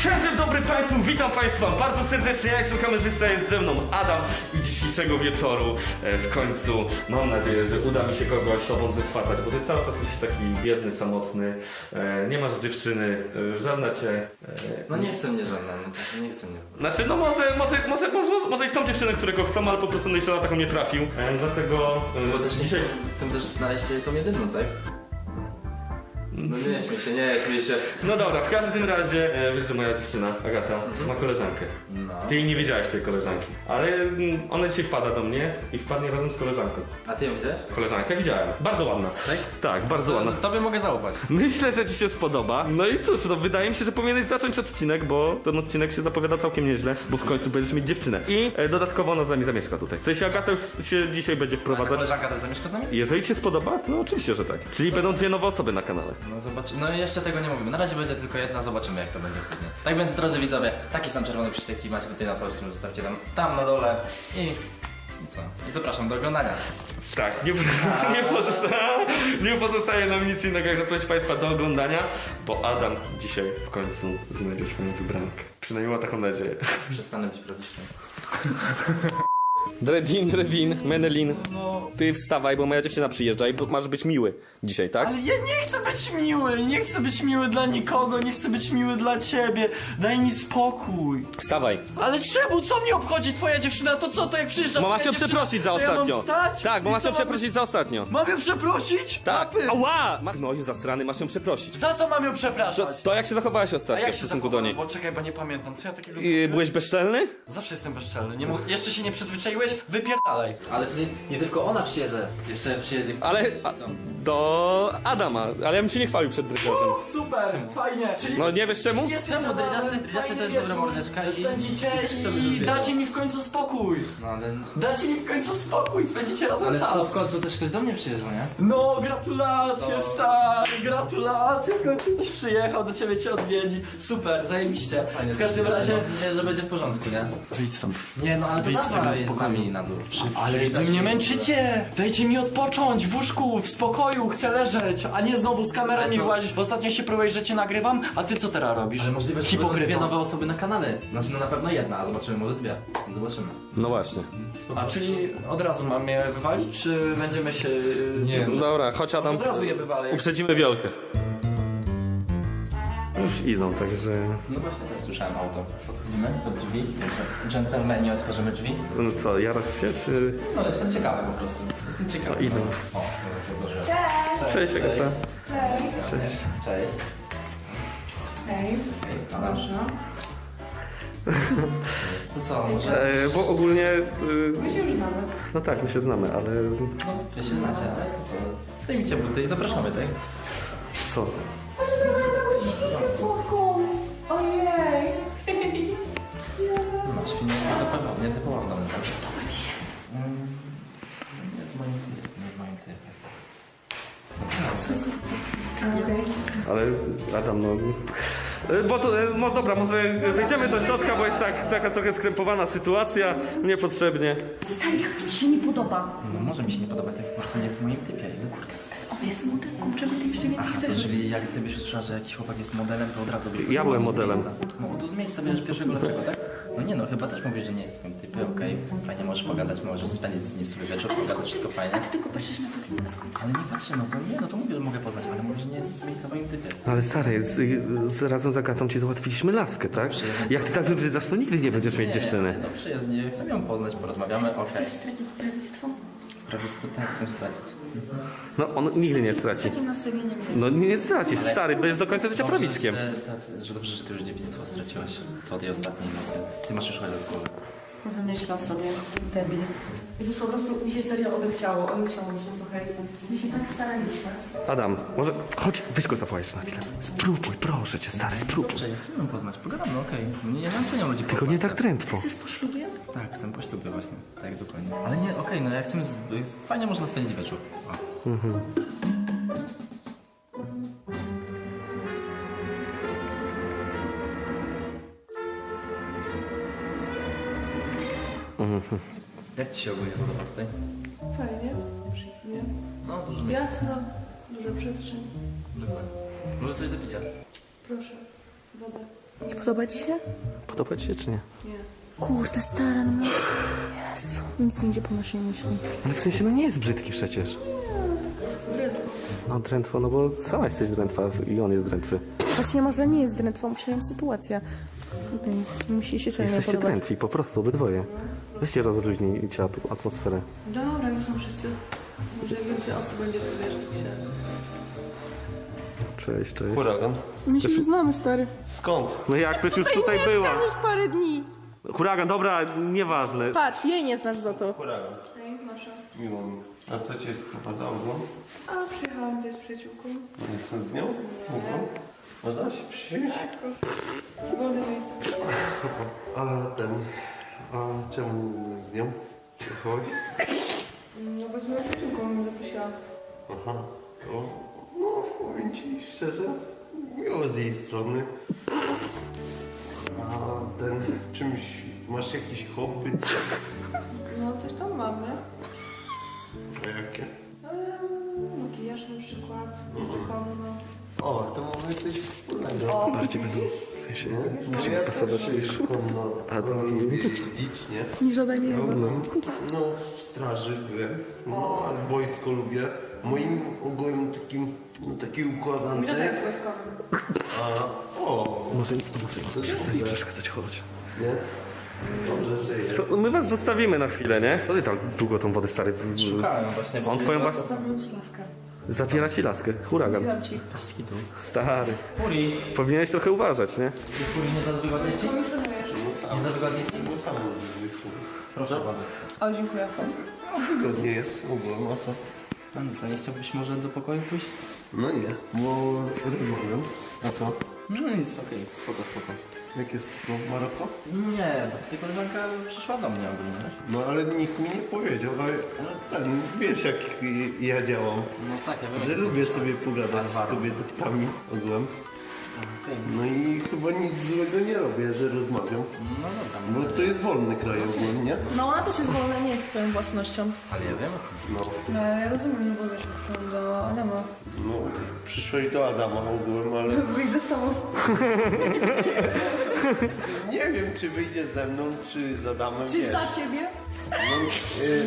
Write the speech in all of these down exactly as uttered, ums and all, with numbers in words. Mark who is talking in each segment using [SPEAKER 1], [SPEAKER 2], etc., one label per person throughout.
[SPEAKER 1] Dzień dobry Państwu, witam Państwa bardzo serdecznie, ja jestem kamerzysta, jest ze mną Adam i dzisiejszego wieczoru e, w końcu mam nadzieję, że uda mi się kogoś sobą zeswatać, bo Ty cały czas jesteś taki biedny, samotny, e, nie masz dziewczyny, e, żadna Cię... E,
[SPEAKER 2] No nie chce mnie żadna, no, nie chce mnie.
[SPEAKER 1] Znaczy, no może, może, może, może, może i są dziewczyny, które go chcą, ale po prostu jeszcze na taką nie trafił, e, dlatego
[SPEAKER 2] Bo
[SPEAKER 1] e,
[SPEAKER 2] też nie
[SPEAKER 1] dzisiaj...
[SPEAKER 2] chcę też znaleźć tą jedyną, tak? No nie śmiej się, nie śmiej się.
[SPEAKER 1] No dobra, w każdym razie, e, wiesz, że moja dziewczyna, Agata, ma koleżankę.
[SPEAKER 2] No.
[SPEAKER 1] Ty jej nie wiedziałeś tej koleżanki, ale mm, ona dzisiaj wpada do mnie i wpadnie razem z koleżanką.
[SPEAKER 2] A ty ją widziałeś?
[SPEAKER 1] Koleżankę widziałem, bardzo ładna.
[SPEAKER 2] Tak?
[SPEAKER 1] Tak, bardzo ładna.
[SPEAKER 2] Tobie mogę zaufać.
[SPEAKER 1] Myślę, że Ci się spodoba. No i cóż, no wydaje mi się, że powinieneś zacząć odcinek, bo ten odcinek się zapowiada całkiem nieźle, bo w końcu będziesz mieć dziewczynę. I e, dodatkowo ona z nami zamieszka tutaj. W sensie Agata już się dzisiaj będzie
[SPEAKER 2] A
[SPEAKER 1] wprowadzać.
[SPEAKER 2] koleżanka też zamieszka z nami?
[SPEAKER 1] Jeżeli Ci się spodoba, to oczywiście, że tak. Czyli będą dwie nowe osoby na kanale.
[SPEAKER 2] No zobacz, no jeszcze tego nie mówimy. Na razie będzie tylko jedna, zobaczymy jak to będzie później. Tak więc drodzy widzowie, taki sam czerwony przycisk jaki macie tutaj na polskim, zostawcie tam, tam na dole i... I co? I zapraszam do oglądania.
[SPEAKER 1] Tak, nie, nie, pozostaje, nie pozostaje nam nic innego jak zaprosić Państwa do oglądania, bo Adam dzisiaj w końcu znajdzie swoją wybrankę. Przynajmniej ma taką nadzieję.
[SPEAKER 2] Przestanę być prawdziwym.
[SPEAKER 1] Dredin, Dredin, Menelin, ty wstawaj, bo moja dziewczyna przyjeżdża i masz być miły dzisiaj, tak?
[SPEAKER 3] Ale ja nie chcę być miły, nie chcę być miły dla nikogo, nie chcę być miły dla ciebie. Daj mi spokój.
[SPEAKER 1] Wstawaj.
[SPEAKER 3] Ale czemu? Co mnie obchodzi twoja dziewczyna? To co, to jak przyjeżdża
[SPEAKER 1] Bo masz
[SPEAKER 3] twoja
[SPEAKER 1] ją
[SPEAKER 3] dziewczyna,
[SPEAKER 1] przeprosić za
[SPEAKER 3] to ja mam
[SPEAKER 1] ostatnio.
[SPEAKER 3] wstać?
[SPEAKER 1] Tak, bo
[SPEAKER 3] I
[SPEAKER 1] masz
[SPEAKER 3] co,
[SPEAKER 1] ją
[SPEAKER 3] mam-
[SPEAKER 1] przeprosić za ostatnio.
[SPEAKER 3] Mam ją przeprosić?
[SPEAKER 1] Tak.
[SPEAKER 3] Papy.
[SPEAKER 1] Ała! Ma- No już zasrany, masz ją przeprosić.
[SPEAKER 3] Za co mam ją
[SPEAKER 1] To,
[SPEAKER 3] przepraszać?
[SPEAKER 1] to jak się zachowałaś
[SPEAKER 3] A
[SPEAKER 1] ostatnio
[SPEAKER 3] jak
[SPEAKER 1] w
[SPEAKER 3] się
[SPEAKER 1] stosunku do
[SPEAKER 3] zachowałem?
[SPEAKER 1] niej?
[SPEAKER 3] Bo czekaj, bo nie pamiętam, co ja takiego
[SPEAKER 1] I,
[SPEAKER 3] zrobiłem?
[SPEAKER 1] byłeś bezczelny?
[SPEAKER 3] Zawsze jestem bezczelny, nie mów... jeszcze się nie przyzwyczaiłeś? Wypierdalaj.
[SPEAKER 2] Ale to nie, nie tylko ona przyjedzie, jeszcze przyjedzie...
[SPEAKER 1] Ale a, do Adama, ale ja bym się nie chwalił przed dyrektorem.
[SPEAKER 3] Super, fajnie. Czyli
[SPEAKER 1] No nie wiesz czemu?
[SPEAKER 3] jest
[SPEAKER 2] Czemu?
[SPEAKER 3] zabawny,
[SPEAKER 2] Jasny-
[SPEAKER 3] fajny
[SPEAKER 2] jasny to jest
[SPEAKER 3] wieczór.
[SPEAKER 2] dobra mordeczka i-
[SPEAKER 3] Spędzicie
[SPEAKER 2] i też sobie
[SPEAKER 3] i
[SPEAKER 2] lubię.
[SPEAKER 3] dacie mi w końcu spokój.
[SPEAKER 2] No ale...
[SPEAKER 3] Dacie mi w końcu spokój, spędzicie razem
[SPEAKER 2] Ale
[SPEAKER 3] czas.
[SPEAKER 2] to w końcu też ktoś do mnie przyjeżdża, nie?
[SPEAKER 3] No, gratulacje,
[SPEAKER 2] No.
[SPEAKER 3] stary, gratulacje, w końcu ktoś przyjechał, do ciebie cię odwiedzi. Super, zajebiście. W każdym razie...
[SPEAKER 2] Nie, że będzie w porządku, nie?
[SPEAKER 3] Wyjdź stąd.
[SPEAKER 2] Nie, no ale to
[SPEAKER 3] Wyjdź z
[SPEAKER 2] dawaj
[SPEAKER 3] tego
[SPEAKER 2] z
[SPEAKER 3] pokoju.
[SPEAKER 2] nami na dół.
[SPEAKER 3] Ale wy mnie męczycie! Dajcie mi odpocząć w łóżku, w spokoju, chcę leżeć, a nie znowu z kamerą
[SPEAKER 2] Ale
[SPEAKER 3] mi
[SPEAKER 2] to-
[SPEAKER 3] włazić, bo ostatnio się próbujesz, że cię nagrywam, a ty co teraz robisz?
[SPEAKER 2] Ale możliwe, że będą dwie
[SPEAKER 3] Hipokryto.
[SPEAKER 2] nowe osoby na kanale. Znaczy no na pewno jedna, a zobaczymy może dwie. Zobaczymy.
[SPEAKER 1] No właśnie.
[SPEAKER 3] A czyli od razu mam je wywalić, czy będziemy się...
[SPEAKER 2] Nie.
[SPEAKER 3] co-
[SPEAKER 1] Dobra, chodź Adam.
[SPEAKER 3] Od razu je wywalę.
[SPEAKER 1] Uprzedzimy Wiolkę. Już idą, także...
[SPEAKER 2] No właśnie, ja słyszałem auto. Podchodzimy do drzwi. Dżentelmeni, otworzymy drzwi.
[SPEAKER 1] No co, jarasz się, czy...
[SPEAKER 2] No jestem ciekawy po prostu. Jestem ciekawy.
[SPEAKER 1] No, idą.
[SPEAKER 2] O, dobra, to zdążyłem.
[SPEAKER 1] Cześć, Agata.
[SPEAKER 4] Hej.
[SPEAKER 1] Cześć.
[SPEAKER 2] Cześć.
[SPEAKER 4] Hej.
[SPEAKER 2] Hej, Adam.
[SPEAKER 4] Proszę.
[SPEAKER 2] To co, może...
[SPEAKER 1] E, bo ogólnie... E,
[SPEAKER 4] My się już znamy.
[SPEAKER 1] no tak, my się znamy, ale...
[SPEAKER 2] No, wy się znacie, ale to co? Zdejmijcie buty i zapraszamy, tak?
[SPEAKER 1] Co?
[SPEAKER 4] Proszę bardzo, słodką. Ojej.
[SPEAKER 2] No, świnie nie typowo, nie typowo w domu, tak? Mm, Nie w moim typie, nie w moim typie.
[SPEAKER 4] Okej.
[SPEAKER 1] Ale Adam, no... E, Bo to, e, no dobra, może wejdziemy do środka, bo jest tak, taka trochę skrępowana sytuacja, niepotrzebnie.
[SPEAKER 4] Stary, jak to ci się nie podoba?
[SPEAKER 2] No może mi się nie podobać, tak po prostu nie jest w moim typie. No kurde,
[SPEAKER 4] On jest modelką, czemu ty jeszcze więcej
[SPEAKER 2] Aha, to
[SPEAKER 4] chcesz?
[SPEAKER 2] czyli jak ty byś usłyszała, że jakiś chłopak jest modelem, to od razu byś...
[SPEAKER 1] Ja byłem
[SPEAKER 2] No, to z
[SPEAKER 1] modelem.
[SPEAKER 2] miejsca. No to z miejsca bierzesz pierwszego lepszego, tak? No nie no, chyba też mówisz, że nie jest w twoim typie, okej. Fajnie możesz pogadać, możesz spędzić z nim sobie wieczór,
[SPEAKER 4] Ale
[SPEAKER 2] pogadać, wszystko fajnie.
[SPEAKER 4] A ty tylko patrzysz na wygląd.
[SPEAKER 2] Ale nie patrzę, no to nie, no to mówię, że mogę poznać, ale mówię, że nie jest z miejsca w moim typie.
[SPEAKER 1] Ale stary, z, z, razem z Agatą ci załatwiliśmy laskę, tak? Jak ty tak wybrzydzasz, to nigdy nie będziesz mieć dziewczyny.
[SPEAKER 2] No przyjaźnie, chcę ją poznać, porozmawiamy, okej.
[SPEAKER 4] Chcesz stracić prawictwo?
[SPEAKER 2] Prawie tak chcę stracić.
[SPEAKER 1] No on nigdy nie
[SPEAKER 4] Z
[SPEAKER 1] straci.
[SPEAKER 4] takim nastawieniem.
[SPEAKER 1] No nie stracisz, stary, będziesz do końca życia
[SPEAKER 2] Dobrze,
[SPEAKER 1] prawiczkiem.
[SPEAKER 2] Że, stat- że dobrze, że ty już dziewictwo straciłaś po tej ostatniej nocy. Ty masz już chorę z głowy.
[SPEAKER 4] Wymyśla sobie, debil. Jezus, po prostu mi się serio odechciało, odechciało mi się, słuchaj. My się tak staraliśmy.
[SPEAKER 1] Adam, może chodź, weź go zawołaj jeszcze na chwilę. Spróbuj, proszę cię, stary, spróbuj.
[SPEAKER 2] Dobrze, ja chcę ją poznać, pogadamy, okej. Nie, ja nie oceniam ludzi po
[SPEAKER 1] Tylko nie tak
[SPEAKER 2] okładce.
[SPEAKER 1] trętwo.
[SPEAKER 4] Chcesz po ślubie?
[SPEAKER 2] Tak, chcę po ślubie właśnie. Tak, dokładnie. Ale nie, okej, no ja chcę... z- Fajnie można spędzić wieczór. O. Jak ci się ogólnie podoba tutaj?
[SPEAKER 4] Fajnie, przyjemnie.
[SPEAKER 2] No, dużo miejsca.
[SPEAKER 4] Jasno, duża przestrzeń.
[SPEAKER 2] Dokładnie. Może coś do picia?
[SPEAKER 4] Proszę, wodę. Nie podoba ci się?
[SPEAKER 1] Podoba ci się czy nie?
[SPEAKER 4] Kurde, stara, no Jezu. Nic nie idzie po naszej myśli.
[SPEAKER 1] Ale w sensie, no nie jest brzydki przecież. No drętwo, no bo sama jesteś drętwa i on jest drętwy.
[SPEAKER 4] Właśnie może nie jest drętwą, musiałem sytuacja. Okej, musi się sobie nie
[SPEAKER 1] Jesteście
[SPEAKER 4] podobać.
[SPEAKER 1] drętwi, po prostu, obydwoje. Weźcie rozluźnijcie at- atmosferę.
[SPEAKER 4] Dobra, nie są wszyscy. Może więcej osób będzie to wiesz, się.
[SPEAKER 1] Cześć, cześć.
[SPEAKER 5] Huragan.
[SPEAKER 4] My się już znamy, stary.
[SPEAKER 5] Skąd?
[SPEAKER 1] No jak, też już tutaj była.
[SPEAKER 4] już parę dni.
[SPEAKER 1] Huragan, dobra, nieważne.
[SPEAKER 4] Patrz, jej nie znasz za to.
[SPEAKER 5] Huragan.
[SPEAKER 4] Ej, Masza.
[SPEAKER 5] Miło mi. A co cię sprowadzało? No?
[SPEAKER 4] A, przyjechałam tutaj z przyjaciółką.
[SPEAKER 5] Jestem z nią? Mhm. Można się przywieźć?
[SPEAKER 4] Wolne miejsce.
[SPEAKER 5] A ten... A czemu z nią? Jechałeś?
[SPEAKER 4] No bo z moją przyjaciółką mnie zaprosiła.
[SPEAKER 5] Aha. To, no, powiem ci szczerze, miło z jej strony. A ten... Czymś... Masz jakiś hobby?
[SPEAKER 4] No, coś tam mamy.
[SPEAKER 5] A jakie?
[SPEAKER 4] Eee, makijaż na przykład, konno.
[SPEAKER 5] O, to mamy coś wspólnego.
[SPEAKER 1] Bardziej będą, w sensie,
[SPEAKER 5] No,
[SPEAKER 1] musi
[SPEAKER 5] ja
[SPEAKER 1] pasować
[SPEAKER 5] też
[SPEAKER 1] niż...
[SPEAKER 5] konno.
[SPEAKER 1] A, to-
[SPEAKER 5] jeździć, nie?
[SPEAKER 4] Nie żaden nie
[SPEAKER 5] No, no w straży byłem, no, ale wojsko lubię. Moim ogółem takim, no takiej układance. A, o,
[SPEAKER 1] Może,
[SPEAKER 5] to
[SPEAKER 1] może
[SPEAKER 5] dobrze,
[SPEAKER 1] nie przeszkadzać, chodź.
[SPEAKER 5] nie? Dobrze, że jest.
[SPEAKER 1] To my was zostawimy na chwilę, nie? Co ty tam długo tą wodę, stary?
[SPEAKER 2] Szukałem właśnie. bo-
[SPEAKER 1] On twoją was...
[SPEAKER 4] Zamknąć laskę.
[SPEAKER 1] Zapiera ci laskę. Huragan.
[SPEAKER 4] Mówiłam ci.
[SPEAKER 1] Stary.
[SPEAKER 2] Puri,
[SPEAKER 1] Powinieneś trochę uważać, nie?
[SPEAKER 2] ty Puri nie za wygodnie ci? Nie za wygodnie ci?
[SPEAKER 5] Bo sam wyszło.
[SPEAKER 2] Proszę bardzo.
[SPEAKER 4] O, dziękuję.
[SPEAKER 5] Wygodnie jest ogółem, a co?
[SPEAKER 2] A no co, nie chciałbyś może do pokoju pójść?
[SPEAKER 5] No nie, bo rozmawiam. A co?
[SPEAKER 2] No nic, okej, spoko, spoko.
[SPEAKER 5] Jak jest no, Maroko?
[SPEAKER 2] Nie, bo ty koleżanka przyszła do mnie ogólnie, wiesz?
[SPEAKER 5] No ale nikt mi nie powiedział, ale ale ten, wiesz jak ja działam.
[SPEAKER 2] No tak, ja wiem.
[SPEAKER 5] Że lubię sobie pogadać z
[SPEAKER 2] Alvaro.
[SPEAKER 5] kobietami ogółem.
[SPEAKER 2] Okej.
[SPEAKER 5] No i chyba nic złego nie robię, że rozmawiam.
[SPEAKER 2] No dobra,
[SPEAKER 5] Bo to jest wolny kraj ogólnie, nie?
[SPEAKER 4] No ona też jest wolna, nie jest twoją własnością.
[SPEAKER 2] ale ja wiem.
[SPEAKER 5] No,
[SPEAKER 4] No ja rozumiem, no bo wiesz, przyszłam do Adama.
[SPEAKER 5] no przyszłeś do Adama ogółem, ale
[SPEAKER 4] Wyjdę z tobą.
[SPEAKER 5] nie wiem czy wyjdzie ze mną, czy z Adamem,
[SPEAKER 4] Czy
[SPEAKER 5] wiesz.
[SPEAKER 4] za ciebie?
[SPEAKER 5] No, y,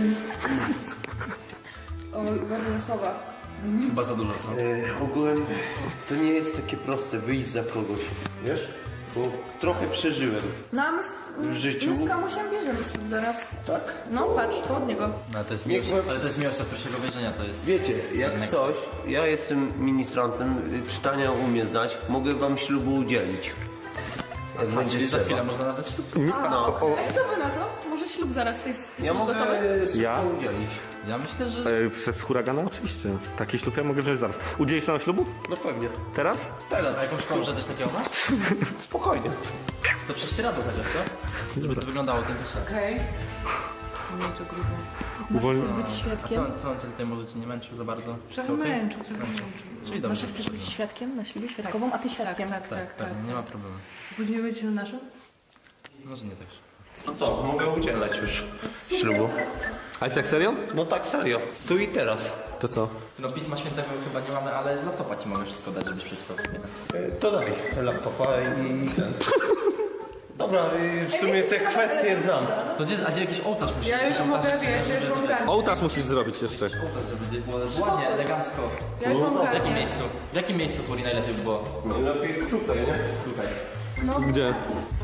[SPEAKER 4] O, ważne słowa.
[SPEAKER 2] Chyba za dużo, co?
[SPEAKER 5] y, ogółem to nie jest takie proste wyjść za kogoś, wiesz? Bo trochę przeżyłem,
[SPEAKER 4] No a my z,
[SPEAKER 5] W życiu?
[SPEAKER 4] my z kamusiem bierzemy ślub zaraz.
[SPEAKER 5] tak?
[SPEAKER 4] No patrz, to od niego.
[SPEAKER 2] No, ale to jest
[SPEAKER 5] Nie,
[SPEAKER 2] miłość,
[SPEAKER 5] bo-
[SPEAKER 2] ale to jest miłość od pierwszego wejrzenia, to jest...
[SPEAKER 5] Wiecie, jak
[SPEAKER 2] innego.
[SPEAKER 5] coś, ja jestem ministrantem, y, czytania umiem znać, mogę wam ślubu udzielić. Jak
[SPEAKER 2] A,
[SPEAKER 5] będzie
[SPEAKER 2] czyli za
[SPEAKER 5] trzeba.
[SPEAKER 2] chwilę można nawet ślub.
[SPEAKER 5] No,
[SPEAKER 4] A co wy na to? Może ślub zaraz jest, jesteś
[SPEAKER 5] ja mogę
[SPEAKER 4] gotowy?
[SPEAKER 5] szybko
[SPEAKER 1] Ja?
[SPEAKER 5] udzielić.
[SPEAKER 2] Ja myślę, że...
[SPEAKER 1] E, przez huragana oczywiście. Taki ślub ja mogę wziąć zaraz. Udzielisz nam ślubu?
[SPEAKER 5] No pewnie.
[SPEAKER 1] Teraz?
[SPEAKER 5] Teraz.
[SPEAKER 2] A jakąś szkołę, że coś takiego masz?
[SPEAKER 5] Spokojnie.
[SPEAKER 2] To prześcieradło chociaż, co? Żeby to wyglądało autentycznie.
[SPEAKER 4] Okej. Nie, to grubo.
[SPEAKER 1] Uwolni...
[SPEAKER 4] Być
[SPEAKER 2] A
[SPEAKER 4] świadkiem?
[SPEAKER 2] co, co on cię tutaj może cię nie męczył za bardzo?
[SPEAKER 4] Trochę
[SPEAKER 2] Wszystko okej?
[SPEAKER 4] męczył, trochę męczył.
[SPEAKER 2] Czyli
[SPEAKER 4] Masz
[SPEAKER 2] dobrze.
[SPEAKER 4] chcesz być świadkiem na ślubie świadkową, a ty świadkiem. Tak,
[SPEAKER 2] Tak, tak, nie ma problemu.
[SPEAKER 4] Później będzie na naszym?
[SPEAKER 2] Może nie tak.
[SPEAKER 5] No co, mogę udzielać już ślubu.
[SPEAKER 1] A tak serio?
[SPEAKER 5] No tak serio. Tu i teraz.
[SPEAKER 1] To co?
[SPEAKER 2] No Pisma Świętego chyba nie mamy, ale z laptopa ci mogę wszystko dać, żebyś przeczytał sobie.
[SPEAKER 5] Y, To daj laptopa i ten. Dobra, y, w sumie te kwestie znam.
[SPEAKER 2] To gdzie, a gdzie jakiś ołtarz musi
[SPEAKER 4] Ja już
[SPEAKER 2] jakiś
[SPEAKER 4] mogę,
[SPEAKER 2] ołtarz,
[SPEAKER 4] wiesz, ja już mam kartę.
[SPEAKER 1] Ołtarz musisz zrobić jeszcze.
[SPEAKER 2] Ołtarz, żeby było ładnie, elegancko.
[SPEAKER 4] Ja już mam
[SPEAKER 2] W jakim
[SPEAKER 4] kartę.
[SPEAKER 2] miejscu? W jakim miejscu Puri najlepiej by było?
[SPEAKER 5] Najlepiej tutaj, nie?
[SPEAKER 2] Tutaj.
[SPEAKER 1] Gdzie?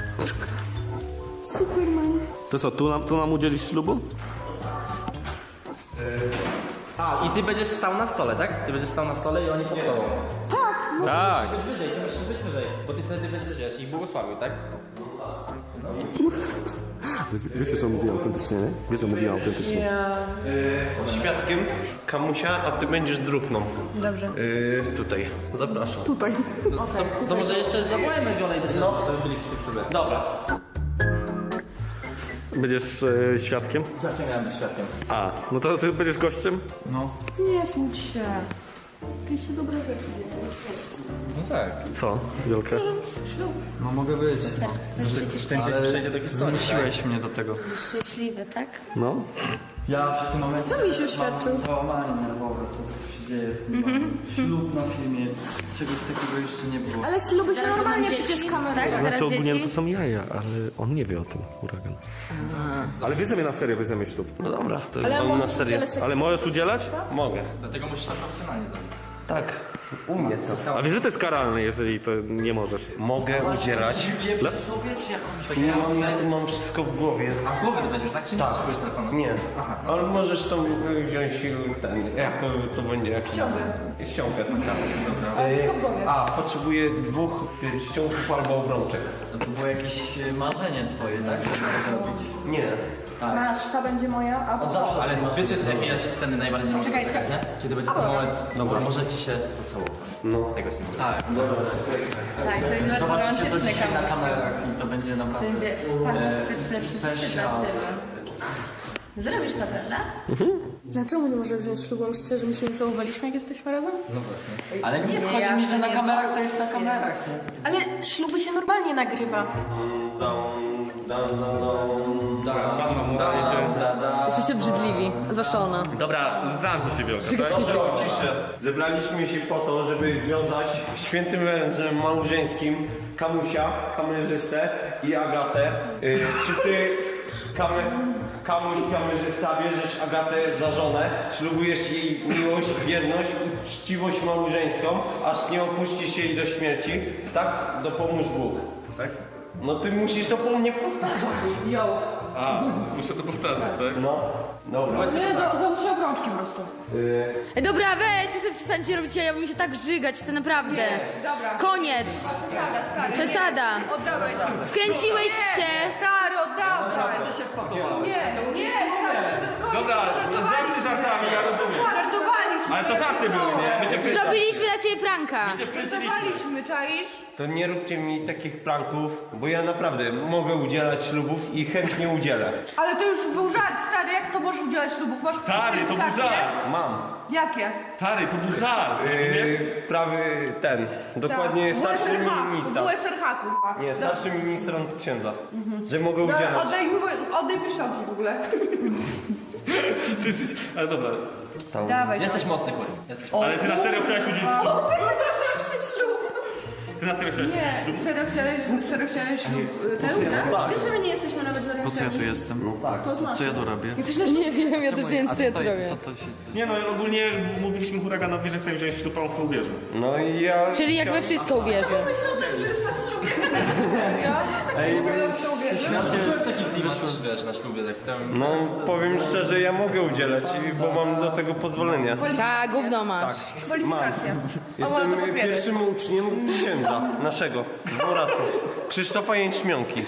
[SPEAKER 4] Superman.
[SPEAKER 1] To co, tu nam, tu nam udzielisz ślubu?
[SPEAKER 2] A, i ty będziesz stał na stole, tak? Ty będziesz stał na stole i oni pod tobą.
[SPEAKER 1] Tak.
[SPEAKER 2] Być wyżej, ty musisz być wyżej, bo ty wtedy będziesz, wiesz, ich błogosławił, tak?
[SPEAKER 1] Wiecie, że on mówi autentycznie, nie? Wiesz, że mówi autentycznie.
[SPEAKER 4] Ja...
[SPEAKER 5] Y, świadkiem Kamusia, a ty będziesz drukną.
[SPEAKER 4] Dobrze.
[SPEAKER 5] Y, tutaj. Zapraszam.
[SPEAKER 4] Tutaj.
[SPEAKER 2] To, to może jeszcze zawołajmy Wiolę i Dredziarza, żeby byli przy tym ślubie.
[SPEAKER 5] Dobra.
[SPEAKER 1] Będziesz e, świadkiem?
[SPEAKER 2] Jakie miałem być świadkiem?
[SPEAKER 1] A, no to ty będziesz gościem?
[SPEAKER 4] Nie smuć się. Ty się dobre rzeczy dzieją.
[SPEAKER 2] No tak.
[SPEAKER 1] Co, Wiolka?
[SPEAKER 3] No mogę być. Ale
[SPEAKER 2] przejdzie do historii,
[SPEAKER 3] zmusiłeś mnie do tego.
[SPEAKER 6] Szczęśliwy, tak?
[SPEAKER 1] No.
[SPEAKER 3] Ja w tym momencie
[SPEAKER 4] Co mi się oświadczył?
[SPEAKER 3] mam załamanie nerwowe, co tu się dzieje w tym domu. Ślub na filmie, czegoś takiego jeszcze nie było.
[SPEAKER 4] Ale śluby się
[SPEAKER 6] Zaraz
[SPEAKER 4] normalnie
[SPEAKER 6] będą
[SPEAKER 4] przecież
[SPEAKER 6] dzieci,
[SPEAKER 4] kamerują.
[SPEAKER 6] tak?
[SPEAKER 1] Znaczy
[SPEAKER 6] Zaraz
[SPEAKER 1] ogólnie
[SPEAKER 6] dzieci.
[SPEAKER 1] to są jaja, ale on nie wie o tym, huragan. Ale bierzemy na serio, bierzemy ślub.
[SPEAKER 5] No dobra, to
[SPEAKER 4] Ale
[SPEAKER 5] mam na
[SPEAKER 4] możesz
[SPEAKER 5] serio.
[SPEAKER 4] udzielać
[SPEAKER 1] Ale możesz udzielać?
[SPEAKER 5] Mogę.
[SPEAKER 2] Dlatego musisz to profesjonalnie zrobić.
[SPEAKER 5] Tak, umiem to.
[SPEAKER 1] A wiesz, że to jest karalne, jeżeli to nie możesz.
[SPEAKER 5] Mogę udzielać.
[SPEAKER 2] Le... sobie czy jakąś
[SPEAKER 5] Nie mam, ja tu mam wszystko w głowie.
[SPEAKER 2] A z głowy to weźmiesz, tak? Czy nie potrzebujesz telefonu?
[SPEAKER 5] Nie, ale możesz to wziąć ten, jak to będzie jakiś... Ściągę. Ściągę, taka.
[SPEAKER 4] Ale tylko w głowie.
[SPEAKER 5] A, potrzebuję dwóch pierścionków albo obrączek.
[SPEAKER 3] No to było jakieś e, marzenie twoje, tak? Żeby to zrobić.
[SPEAKER 5] Nie.
[SPEAKER 4] Masz, ta będzie moja, a
[SPEAKER 3] Od zawsze.
[SPEAKER 2] Ale wiecie, jakie sceny najbardziej nie
[SPEAKER 4] Czekaj,
[SPEAKER 2] czekać, nie? Kiedy będzie ten moment, dobra, możecie się pocałować.
[SPEAKER 5] No.
[SPEAKER 2] Tego się nie
[SPEAKER 3] Tak,
[SPEAKER 6] Tak, to jest bardzo
[SPEAKER 3] zobaczcie to
[SPEAKER 6] romantyczny
[SPEAKER 3] dzisiaj na
[SPEAKER 6] kamerze.
[SPEAKER 3] kamerach i to będzie naprawdę...
[SPEAKER 6] Będzie fantastyczne przeżycie
[SPEAKER 3] special.
[SPEAKER 6] dla ciebie. Zrobisz to, prawda?
[SPEAKER 4] Dlaczego nie możemy wziąć ślubu? Myślicie, że my się nie całowaliśmy, jak jesteśmy razem?
[SPEAKER 3] No właśnie. Ale nie
[SPEAKER 6] Nie,
[SPEAKER 3] wchodzi
[SPEAKER 6] ja
[SPEAKER 3] mi, że
[SPEAKER 6] to
[SPEAKER 3] na
[SPEAKER 6] nie
[SPEAKER 3] kamerach to jest na
[SPEAKER 6] wiem.
[SPEAKER 3] kamerach. Nie?
[SPEAKER 4] Ale śluby się normalnie nagrywa. Jesteście obrzydliwi, zwłaszcza ona.
[SPEAKER 1] Dobra, zamknij się, Wielka, tak?
[SPEAKER 5] Proszę o ciszę. Zebraliśmy się po to, żeby związać świętym wężem małżeńskim Kamusia, kamerzystę i Agatę. Y, czy ty, kame, Kamuś, kamerzysta, bierzesz Agatę za żonę, ślubujesz jej miłość, wierność, uczciwość małżeńską, aż nie opuścisz jej do śmierci? Tak? Dopomóż Bóg.
[SPEAKER 1] Tak?
[SPEAKER 5] No ty musisz to po mnie powtarzać.
[SPEAKER 4] Yo.
[SPEAKER 1] A, muszę to powtarzać, tak?
[SPEAKER 5] No, dobra.
[SPEAKER 4] Nie, do, załóż się obrączki po prostu.
[SPEAKER 5] Y,
[SPEAKER 6] Ej, dobra, weź, sobie przestańcie robić, ja bym się tak żygać, to naprawdę.
[SPEAKER 4] Dobra.
[SPEAKER 6] Koniec.
[SPEAKER 4] Przesada, stary.
[SPEAKER 6] Przesada.
[SPEAKER 4] Oddawaj to.
[SPEAKER 6] Wkręciłeś się.
[SPEAKER 4] Stary, oddawaj. Nie, nie, stary.
[SPEAKER 1] Dobra, żarty żartami, ja rozumiem.
[SPEAKER 4] Żartowaliśmy.
[SPEAKER 1] Ale to żarty były, nie? My cię wkręciliśmy.
[SPEAKER 6] Zrobiliśmy dla ciebie pranka.
[SPEAKER 4] Żartowaliśmy, czaisz?
[SPEAKER 5] To nie róbcie mi takich pranków, bo ja naprawdę mogę udzielać ślubów i chętnie udzielę.
[SPEAKER 4] Ale to już był żart, stary. Jak to możesz udzielać ślubów? Masz
[SPEAKER 1] Stary, to był
[SPEAKER 4] kwalifikacje?
[SPEAKER 1] żart.
[SPEAKER 5] Mam.
[SPEAKER 4] Jakie?
[SPEAKER 1] Stary, to był żart, rozumiesz?
[SPEAKER 5] Yy, prawy ten, dokładnie
[SPEAKER 4] Tak.
[SPEAKER 5] starszy
[SPEAKER 4] W S R H,
[SPEAKER 5] ministra.
[SPEAKER 4] W S R H, kurwa.
[SPEAKER 5] Nie, starszy ministrant księdza, że mogę
[SPEAKER 4] Dobra,
[SPEAKER 5] udzielać.
[SPEAKER 4] oddaj, mi- oddaj pieszczotki w ogóle.
[SPEAKER 1] Ty jesteś... Ale dobra.
[SPEAKER 4] Dawaj to.
[SPEAKER 2] Jesteś mocny, Kuri. Jesteś
[SPEAKER 1] Ale ty na serio chciałeś udzielić ślubu?
[SPEAKER 4] ślub.
[SPEAKER 1] Ty na serio chciałeś udzielić
[SPEAKER 4] Nie,
[SPEAKER 1] ślubu?
[SPEAKER 4] serio chciałeś, serio chciałeś ślub. Ten, tak? Wiesz, że my nie jesteśmy nawet zorientowani.
[SPEAKER 3] Po co ja tu jestem?
[SPEAKER 5] No tak.
[SPEAKER 3] Co ja tu robię?
[SPEAKER 6] Nie wiem, ja też nie wiem, co ja tu robię.
[SPEAKER 3] Co to się...
[SPEAKER 1] Nie no, ogólnie mówiliśmy huraganowi, że chcemy wziąć ślub, a on w to uwierzył.
[SPEAKER 5] No i ja...
[SPEAKER 6] Czyli jak we wszystko uwierzy.
[SPEAKER 4] Myślał też, że jest na ślubie. Serio?
[SPEAKER 5] Ej,
[SPEAKER 4] Bo ja w to uwierzył.
[SPEAKER 2] Ja czułem taki klimat, wiesz, na ślubie, tak tam...
[SPEAKER 5] no powiem szczerze, ja mogę udzielać, bo mam do tego pozwolenie.
[SPEAKER 6] Tak, gówno masz.
[SPEAKER 4] Kwalifikacja. A ma
[SPEAKER 5] Jestem
[SPEAKER 4] to papiery.
[SPEAKER 5] pierwszym uczniem księdza naszego, w Boraczu, Krzysztofa Jęczmionki.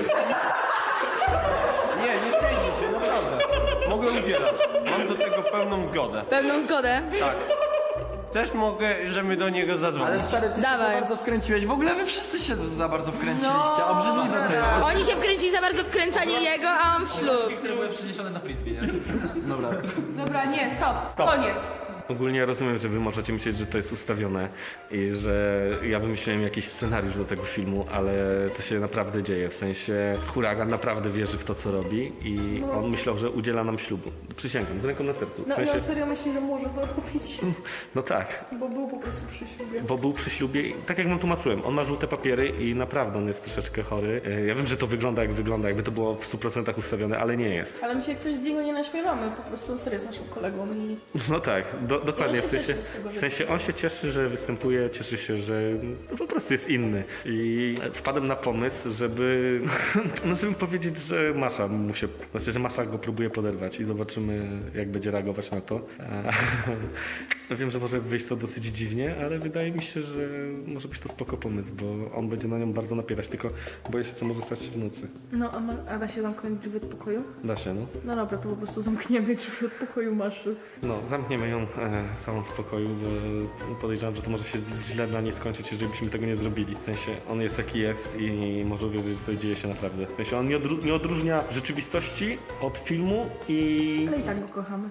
[SPEAKER 5] Nie, nie śmiejcie się, naprawdę. Mogę udzielać. Mam do tego pełną zgodę.
[SPEAKER 6] Pełną zgodę?
[SPEAKER 5] Tak. Też mogę, żeby do niego zadzwonić.
[SPEAKER 3] Ale stary, ty się
[SPEAKER 6] Dawaj.
[SPEAKER 3] za bardzo wkręciłeś. W ogóle wy wszyscy się za bardzo wkręciliście. Obrzydliwe to jest.
[SPEAKER 6] Oni się wkręcili za bardzo w kręcanie jego, a on w ślub.
[SPEAKER 2] Które były przyniesione na frisbee, nie?
[SPEAKER 3] Dobra.
[SPEAKER 4] Dobra, nie, stop. Koniec.
[SPEAKER 1] Ogólnie rozumiem, że wy możecie myśleć, że to jest ustawione i że ja wymyśliłem jakiś scenariusz do tego filmu, ale to się naprawdę dzieje. W sensie huragan naprawdę wierzy w to, co robi i on myślał, że udziela nam ślubu. Przysięgam, z ręką na sercu. W
[SPEAKER 4] No,
[SPEAKER 1] sensie,
[SPEAKER 4] no serio myślę, że może to robić.
[SPEAKER 1] no tak,
[SPEAKER 4] Bo był po prostu przy ślubie.
[SPEAKER 1] bo był przy ślubie i tak jak wam tłumaczyłem, on ma żółte papiery i naprawdę on jest troszeczkę chory. E, Ja wiem, że to wygląda jak wygląda, jakby to było w stu procentach ustawione, ale nie jest.
[SPEAKER 4] Ale my się jak coś z niego nie naśmiewamy. Po prostu on serio jest naszym kolegą i...
[SPEAKER 1] No tak, do, dokładnie.
[SPEAKER 4] się
[SPEAKER 1] W sensie,
[SPEAKER 4] cieszy z tego, że-
[SPEAKER 1] w sensie on się cieszy, że występuje, cieszy się, że no, po prostu jest inny. I wpadłem na pomysł, żeby, no żeby powiedzieć, że Masza mu się, znaczy, że Masza go próbuje poderwać i zobaczymy, jak będzie reagować na to. A, wiem, że może wyjść to dosyć dziwnie, ale wydaje mi się, że może być to spoko pomysł, bo on będzie na nią bardzo napierać, tylko boję się, co może stać się w nocy.
[SPEAKER 4] No, a, ma, a da się zamknąć drzwi od pokoju?
[SPEAKER 1] Da się, no.
[SPEAKER 4] No dobra, to po prostu zamkniemy drzwi od pokoju masz.
[SPEAKER 1] No, zamkniemy ją e, samą w pokoju, bo podejrzewam, że to może się źle dla niej skończyć, jeżeli byśmy tego nie zrobili. W sensie, on jest jaki jest i może uwierzyć, że to dzieje się naprawdę. W sensie, on nie, odró- nie odróżnia rzeczywistości od filmu i...
[SPEAKER 4] Ale i tak go kochamy.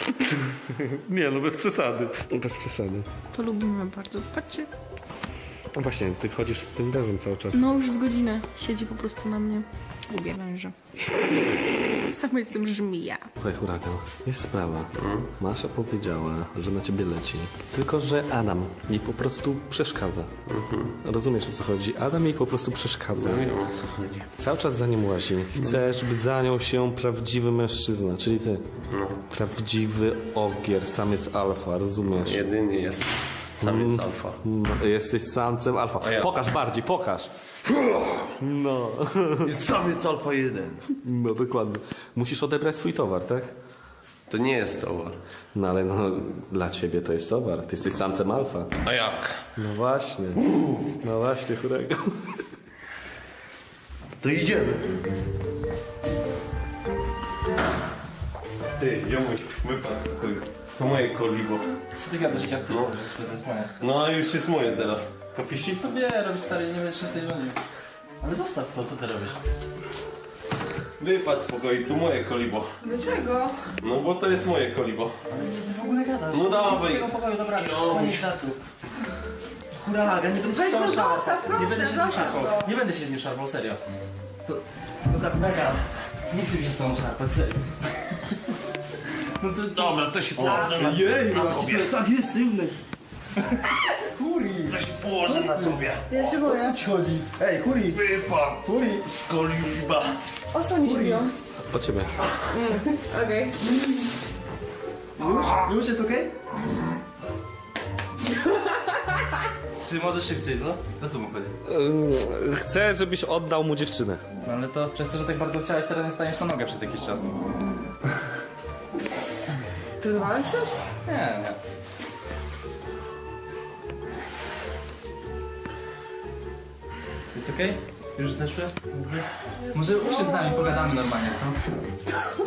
[SPEAKER 1] Nie, no bez przesady. Bez przesady.
[SPEAKER 4] To lubimy bardzo. Patrzcie.
[SPEAKER 1] No właśnie, ty chodzisz z tym wężem cały czas.
[SPEAKER 4] No już z godzinę siedzi po prostu na mnie. Lubię węże. Sama jestem żmija.
[SPEAKER 7] Słuchaj, huragan, jest sprawa. Masza powiedziała, że na ciebie leci. Tylko, że Adam jej po prostu przeszkadza. Rozumiesz, o co chodzi? Adam jej po prostu przeszkadza.
[SPEAKER 5] Nie wiem, o co chodzi.
[SPEAKER 7] Cały czas za nią łazi. Chce, żeby za nią się prawdziwy mężczyzna, czyli ty.
[SPEAKER 5] No.
[SPEAKER 7] Prawdziwy ogier, samiec alfa, rozumiesz?
[SPEAKER 5] Jedyny jest samiec alfa.
[SPEAKER 7] No, jesteś samcem alfa.
[SPEAKER 5] A ja-
[SPEAKER 7] Pokaż bardziej, pokaż. No.
[SPEAKER 5] Jest samiec alfa jeden.
[SPEAKER 7] No dokładnie. Musisz odebrać swój towar, tak?
[SPEAKER 5] To nie jest towar.
[SPEAKER 7] No ale no, dla ciebie to jest towar. Ty jesteś samcem alfa.
[SPEAKER 5] A jak?
[SPEAKER 7] No właśnie. No właśnie, huragan.
[SPEAKER 5] To idziemy. Ty, ziomuś, wypadł. To moje kolibo.
[SPEAKER 2] Co ty gadasz, jak to
[SPEAKER 5] No.
[SPEAKER 2] to jest moje.
[SPEAKER 5] No a już jest moje teraz. To fisi?
[SPEAKER 2] Sobie robisz stary, nie będziesz na tej rządził. Ale zostaw to, co ty robisz?
[SPEAKER 5] Wypadł z pokoju, to moje kolibo.
[SPEAKER 4] Dlaczego?
[SPEAKER 5] No bo to jest moje kolibo.
[SPEAKER 2] Ale co ty w ogóle gadasz?
[SPEAKER 5] No dawaj.
[SPEAKER 2] Z tego pokoju, dobra,
[SPEAKER 5] Jo.
[SPEAKER 2] koniec żartu. Huragan, nie będę się
[SPEAKER 4] Weź
[SPEAKER 2] z tobą
[SPEAKER 4] go
[SPEAKER 2] szarpał.
[SPEAKER 4] zostaw, proszę,
[SPEAKER 2] Nie będę się z nim
[SPEAKER 4] zostaw
[SPEAKER 2] szarpał.
[SPEAKER 4] go.
[SPEAKER 2] Nie będę się z nim szarpał, serio. To... Dobra, huragan. Nie chcę mi się z tobą szarpać, serio. No to...
[SPEAKER 5] Dobra, to się położę na,
[SPEAKER 2] Jej,
[SPEAKER 5] na
[SPEAKER 2] to
[SPEAKER 5] tobie.
[SPEAKER 2] jest agresywny.
[SPEAKER 5] To się położę na tobie.
[SPEAKER 4] Ja się boję.
[SPEAKER 2] ci chodzi? Ej, Huri!
[SPEAKER 5] Wypadł.
[SPEAKER 2] Huri!
[SPEAKER 5] Z koliba.
[SPEAKER 4] O co oni się biją?
[SPEAKER 7] O ciebie.
[SPEAKER 4] Okej.
[SPEAKER 2] Już? Już jest okej? Czy może szybciej, co? O co mu chodzi?
[SPEAKER 7] Ym, Chcę, żebyś oddał mu dziewczynę.
[SPEAKER 2] No ale to przez to, że tak bardzo chciałeś, teraz nie staniesz na nogę przez jakiś czas.
[SPEAKER 4] Trudowałeś coś?
[SPEAKER 2] Nie, nie. Jest okej? Już zeszły? Dobry? Może usiądź z nami, pogadamy normalnie, co?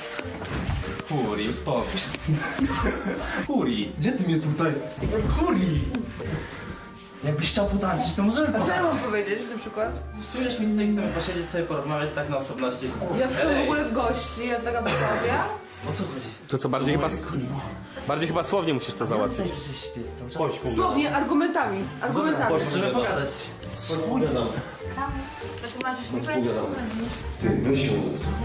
[SPEAKER 2] Huri, uspokój się. Huri! Gdzie ty mnie tutaj? Huri! Jakbyś chciał potańczyć, to możemy
[SPEAKER 4] A co ja
[SPEAKER 2] potańczyć.
[SPEAKER 4] mam powiedzieć na przykład?
[SPEAKER 2] Psujesz mi tutaj, chcemy posiedzieć sobie, porozmawiać tak na osobności.
[SPEAKER 4] Ja przyszłam w
[SPEAKER 2] Ej,
[SPEAKER 4] ogóle w gości, ja taka wyprawia.
[SPEAKER 2] O co chodzi?
[SPEAKER 7] To co, bardziej chyba... Bardziej chyba słownie musisz to załatwić.
[SPEAKER 2] Przecież śpię cały czas.
[SPEAKER 5] Chodź, pogadam.
[SPEAKER 4] Słownie, argumentami. Argumentami.
[SPEAKER 2] Możemy pogadać.
[SPEAKER 5] Chodź, pogadam.
[SPEAKER 6] Wytłumaczysz mi, powiem, co chodzi.
[SPEAKER 5] Ty, weź ją.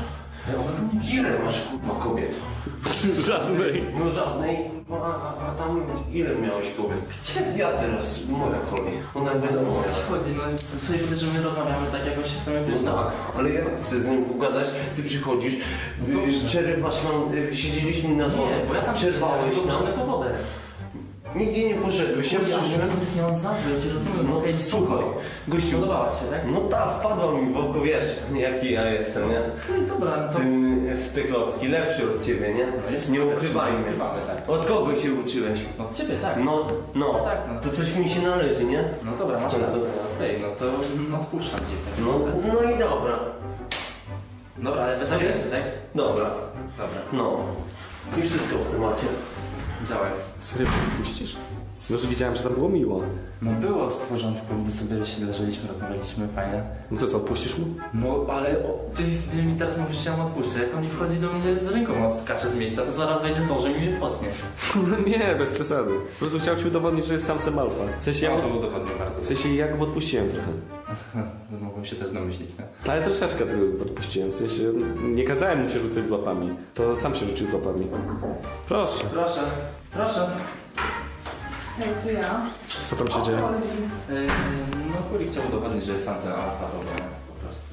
[SPEAKER 5] Ile masz kurwa kobiet?
[SPEAKER 7] Żadnej.
[SPEAKER 5] No żadnej. A, a, a tam ile miałeś kobiet? Gdzie? Ja teraz, moja kolej. Ona wiadomo.
[SPEAKER 2] O co ci chodzi? No sobie wiesz, że my rozmawiamy tak, jakoś chcemy być.
[SPEAKER 5] No tak, ale ja chcę z nim pogadać, ty przychodzisz, y, przerywasz nam, y, siedzieliśmy na dworze,
[SPEAKER 2] Nie, bo ja tam
[SPEAKER 5] przerwałeś
[SPEAKER 2] siedziałem,
[SPEAKER 5] nam.
[SPEAKER 2] tylko po wodę.
[SPEAKER 5] Nigdzie nie poszedłeś, ja przyszłem.
[SPEAKER 2] nic nie mam za złe, ja cię rozumiem.
[SPEAKER 5] No
[SPEAKER 2] okej,
[SPEAKER 5] słuchaj, gościu,
[SPEAKER 2] Podobała ci się, tak?
[SPEAKER 5] no ta wpadła mi w oko, wiesz, jaki ja jestem, nie?
[SPEAKER 2] No i dobra, to...
[SPEAKER 5] Ty, w te klocki, lepszy od ciebie, nie?
[SPEAKER 2] jest
[SPEAKER 5] Nie
[SPEAKER 2] lepszy,
[SPEAKER 5] ukrywajmy.
[SPEAKER 2] nie ukrywamy, tak.
[SPEAKER 5] Od kogo się uczyłeś?
[SPEAKER 2] Od ciebie, tak.
[SPEAKER 5] No, no,
[SPEAKER 2] tak, no.
[SPEAKER 5] to coś mi się należy, nie?
[SPEAKER 2] No dobra, masz
[SPEAKER 5] No
[SPEAKER 2] rację.
[SPEAKER 5] dobra.
[SPEAKER 2] Okej, no to no, odpuszczam ci. tak.
[SPEAKER 5] No, no i dobra,
[SPEAKER 2] Dobra, ale bez
[SPEAKER 5] Serio?
[SPEAKER 2] agresji, tak?
[SPEAKER 5] dobra,
[SPEAKER 2] Dobra,
[SPEAKER 5] no. I wszystko w temacie.
[SPEAKER 2] działaj.
[SPEAKER 7] Serio, puścisz? No, że widziałem, że tam było miło.
[SPEAKER 2] No było w porządku, my sobie się leżeliśmy, rozmawialiśmy, fajnie.
[SPEAKER 7] No to co, puścisz mu?
[SPEAKER 2] No ale o, ty, ty mi teraz mówisz, że ja mu odpuszczę. Jak on mi wchodzi do mnie z ręką, a skacze z miejsca, to zaraz wejdzie z nożem i mnie potnie.
[SPEAKER 7] No nie, bez przesady. Po prostu chciał ci udowodnić, że jest samcem alfa. W sensie ja,
[SPEAKER 2] Ja to
[SPEAKER 7] mu-
[SPEAKER 2] udowodnię bardzo.
[SPEAKER 7] w sensie ja go odpuściłem trochę.
[SPEAKER 2] No, mogłem się też domyślić, nie?
[SPEAKER 7] Ale troszeczkę tego odpuściłem. W sensie nie kazałem mu się rzucać z łapami. To sam się rzucił z łapami. Proszę.
[SPEAKER 2] Proszę, proszę.
[SPEAKER 4] Hej, to ja.
[SPEAKER 7] Co tam się dzieje?
[SPEAKER 2] Yy, no Kuli chciał udowodnić, że jest samcem alfa, robię po prostu.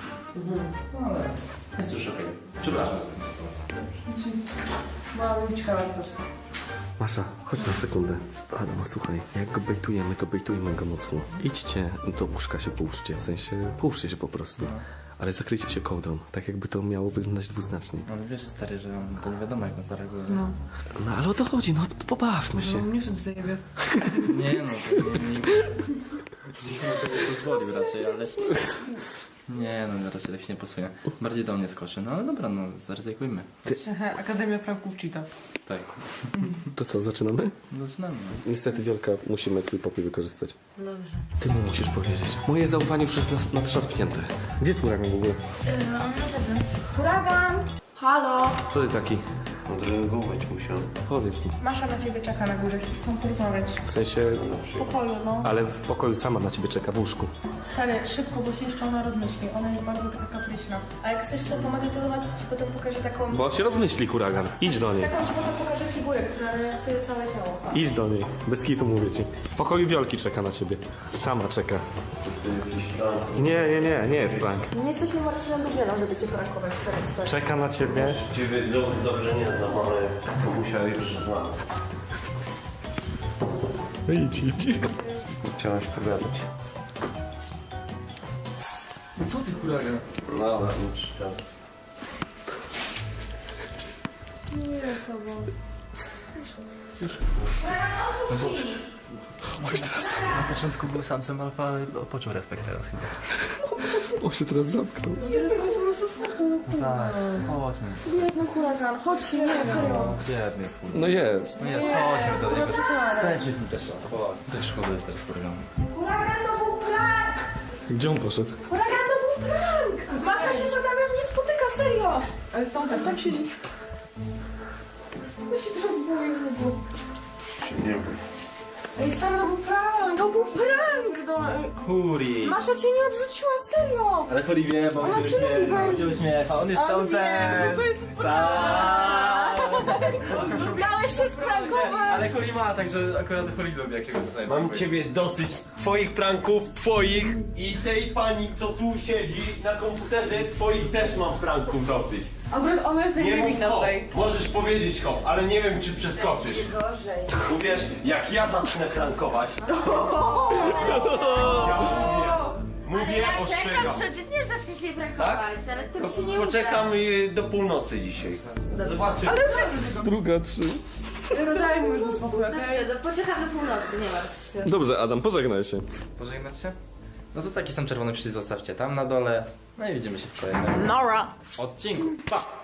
[SPEAKER 2] No ale jest już okej. Przepraszam za tę sytuację.
[SPEAKER 4] Mam ciekawe po prostu.
[SPEAKER 7] Masza, chodź na sekundę. Adam, słuchaj, jak go bejtujemy, to bejtujmy go mocno. Idźcie do łóżka się połóżcie, w sensie połóżcie się po prostu. Ale zakryjcie się kołdrą, tak jakby to miało wyglądać dwuznacznie.
[SPEAKER 2] No wiesz stary, że on, to nie wiadomo jak on zareaguje.
[SPEAKER 4] No.
[SPEAKER 7] No ale o to chodzi, no pobawmy
[SPEAKER 4] No,
[SPEAKER 7] się.
[SPEAKER 4] nie chcę tutaj jebie.
[SPEAKER 2] Nie no, to nie, nie, nie, nie pozwolił raczej, ale... Nie no, raczej tak się nie posunie. Bardziej do mnie skoczy, no ale dobra, no zaryzykujmy.
[SPEAKER 4] Hehe, Akademia Pranków Cheetah.
[SPEAKER 2] Tak,
[SPEAKER 7] To co, zaczynamy?
[SPEAKER 2] zaczynamy.
[SPEAKER 7] Niestety, Wielka, musimy twój pokój wykorzystać.
[SPEAKER 6] Dobrze.
[SPEAKER 7] Ty mu musisz powiedzieć. Moje zaufanie już jest nas- nadszarpnięte. Gdzie jest huragan w ogóle?
[SPEAKER 6] Yy, on na zewnątrz. Huragan! Halo!
[SPEAKER 7] Co ty taki?
[SPEAKER 5] Odreagować musiał.
[SPEAKER 7] Powiedz mi.
[SPEAKER 4] Masza na ciebie czeka na górze, chcę z tą porozmawiać.
[SPEAKER 7] W sensie,
[SPEAKER 4] W pokoju, no.
[SPEAKER 7] ale w pokoju sama na ciebie czeka w łóżku.
[SPEAKER 4] Stary, szybko, bo się jeszcze ona rozmyśli. Ona jest bardzo taka kapryśna. A jak chcesz sobie pomedytować, to ci potem pokażę taką...
[SPEAKER 7] Bo się rozmyśli huragan. Idź do niej.
[SPEAKER 4] Taką ci potem pokażę figurę, która rysuje całe ciało.
[SPEAKER 7] Idź do niej. Bez kitu mówię ci. W pokoju Wiolki czeka na ciebie. Sama czeka. Nie, nie, nie, nie jest prank.
[SPEAKER 4] Nie jesteśmy Marcinem Dubielą, żeby cię prankować, stary, stary.
[SPEAKER 7] Czeka na ciebie.
[SPEAKER 5] Ciebie do- dobrze nie znam, ale Kamusia już znam.
[SPEAKER 7] Idź, idź.
[SPEAKER 5] Chciałaś pogadać.
[SPEAKER 2] No co ty huragan?
[SPEAKER 5] No dobra, nie przeszkadza.
[SPEAKER 2] Na początku był samcem alfa, ale poczuł respekt teraz chyba.
[SPEAKER 7] On się teraz zamknął.
[SPEAKER 2] Tak, chodźmy.
[SPEAKER 4] Biedny huragan, chodź, nie, serio.
[SPEAKER 2] Biedny jest huragan.
[SPEAKER 7] No jest.
[SPEAKER 2] No nie, chodźmy do niego.
[SPEAKER 4] Huragan,
[SPEAKER 2] Spędźmy z nim też czas. Chodź. Też szkoda jest teraz huraganu.
[SPEAKER 4] to był prank!
[SPEAKER 7] Gdzie on poszedł?
[SPEAKER 4] Huragan to był prank! Masza się z Adamem nie spotyka, serio! Ale tam, tam, tam siedzi. Ja się teraz boję w ogóle.
[SPEAKER 5] Nie wiem.
[SPEAKER 4] Ej, stary, to był prank! To był prank! No, ej.
[SPEAKER 2] Huri!
[SPEAKER 4] Masza cię nie odrzuciła, serio!
[SPEAKER 2] Ale Huri wie, bo on
[SPEAKER 4] Ona
[SPEAKER 2] się
[SPEAKER 4] cię lubi
[SPEAKER 2] uśmiecha, on
[SPEAKER 4] bardzo.
[SPEAKER 2] się uśmiecha, on jest
[SPEAKER 4] On
[SPEAKER 2] tam
[SPEAKER 4] wie,
[SPEAKER 2] ten.
[SPEAKER 4] że to jest
[SPEAKER 2] Tak.
[SPEAKER 4] Miałeś się sprankować!
[SPEAKER 2] Ale Huri ma, także akurat Huri lubi, jak się go czasami
[SPEAKER 5] Mam
[SPEAKER 2] prankuje.
[SPEAKER 5] ciebie dosyć twoich pranków, twoich i tej pani, co tu siedzi na komputerze, twoich też mam pranków dosyć.
[SPEAKER 4] Akurat ona jest
[SPEAKER 5] Nie mów
[SPEAKER 4] najniewinna
[SPEAKER 5] hop,
[SPEAKER 4] tutaj.
[SPEAKER 5] możesz powiedzieć hop, ale nie wiem czy przeskoczysz.
[SPEAKER 6] Gorzej.
[SPEAKER 5] Uwierz, jak ja zacznę prankować, ja mówię, mówię,
[SPEAKER 6] Ja
[SPEAKER 5] ostrzegam.
[SPEAKER 6] czekam codziennie, że zaczniesz mnie prankować, ale to mi się nie uda.
[SPEAKER 5] Poczekam y, do północy dzisiaj. Zobaczymy.
[SPEAKER 7] Druga, trzy.
[SPEAKER 4] Daj mu już spokój, okej?
[SPEAKER 6] Dobrze, no poczekam do północy, nie martw się.
[SPEAKER 7] Dobrze, Adam, pożegnaj się.
[SPEAKER 2] Pożegnać się? No to taki sam czerwony przycisk zostawcie tam na dole. No i widzimy się w kolejnym
[SPEAKER 6] Nora.
[SPEAKER 2] odcinku. Pa!